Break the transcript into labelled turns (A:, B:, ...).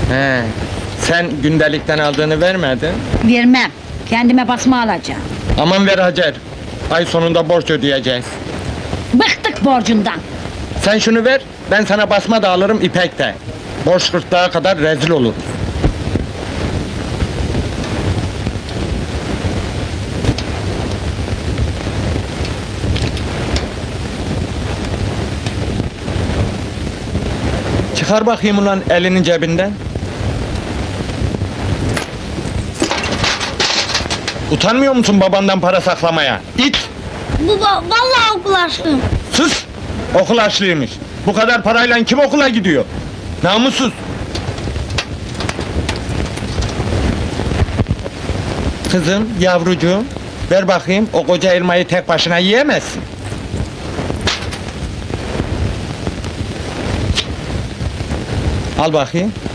A: He. Sen gündelikten aldığını vermedin.
B: Vermem. Kendime basma alacağım.
A: Aman ver Hacer. Ay sonunda borç ödeyeceğiz.
B: Bıktık borcundan.
A: Sen şunu ver, ben sana basma da alırım ipek de. Borç gırtlağa kadar rezil oluruz. Çıkar bakayım ulan elinin cebinden. Utanmıyor musun babandan para saklamaya? İt!
C: Baba vallahi okul açtım.
A: Sus! Okul açlıymış. Bu kadar parayla kim okula gidiyor? Namussuz! Kızım, yavrucuğum, ver bakayım, o koca elmayı tek başına yiyemezsin. Al bakayım.